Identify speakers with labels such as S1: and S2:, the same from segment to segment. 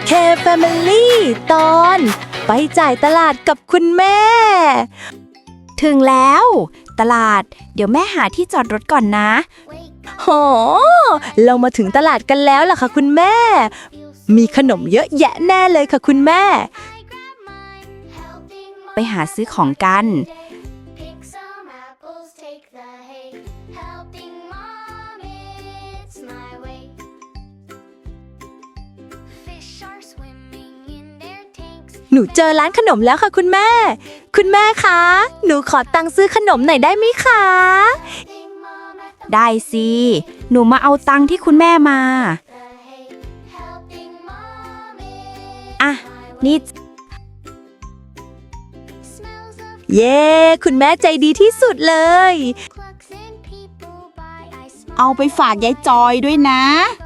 S1: K Family ตอนไปจ่ายตลาดกับคุณแม่
S2: ถึงแล้วตลาดเดี๋ยวแม่หาที่จอดรถก่อนนะ
S1: โห เรามาถึงตลาดกันแล้วล่ะค่ะคุณแม่ มีขนมเยอะแยะแน่เลยค่ะคุณแม่
S2: ไปหาซื้อของกัน
S1: หนูเจอร้านขนมแล้วค่ะคุณแม่ คุณแม่คะ หนูขอตังค์ซื้อขนมหน่อยได้ไหมคะ
S2: ได้สิหนูมาเอาตังค์ที่คุณแม่มาอ่ะนี่
S1: เย้ คุณแม่ใจดีที่สุดเลย
S3: เอาไปฝากยายจอยด้วยนะ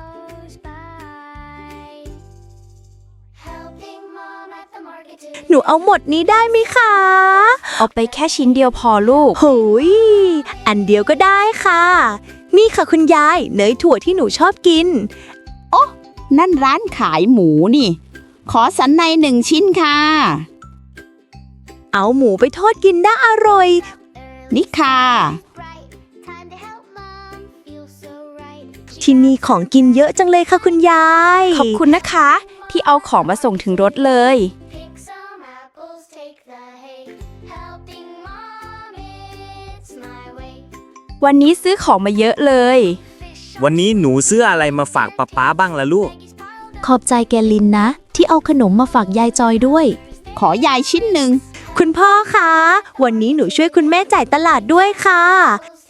S1: หนูเอาหมดนี้ได้ไหมคะ
S2: เอาไปแค่ชิ้นเดียวพอลูก
S1: โหยอันเดียวก็ได้ค่ะ นี่ค่ะคุณยายเนยถั่วที่หนูชอบกิน
S3: นั่นร้านขายหมูนี่ ขอสันใน1 ชิ้นค่ะ
S1: เอาหมูไปทอดกินน่าอร่อย
S3: นี่ค่ะ
S1: ที่นี่ของกินเยอะจังเลยค่ะคุณยาย
S2: ขอบคุณนะคะ ที่เอาของมาส่งถึงรถเลย วันนี้ซื้อของมาเยอะเลย
S4: วันนี้หนูซื้ออะไรมาฝากป๊าบ้างล่ะลูก
S5: ขอบใจแกลินนะ ที่เอาขนมมาฝากยายจอยด้วย
S3: ขอยายชิ้นหนึ่ง
S1: คุณพ่อคะ วันนี้หนูช่วยคุณแม่จ่ายตลาดด้วยค่ะ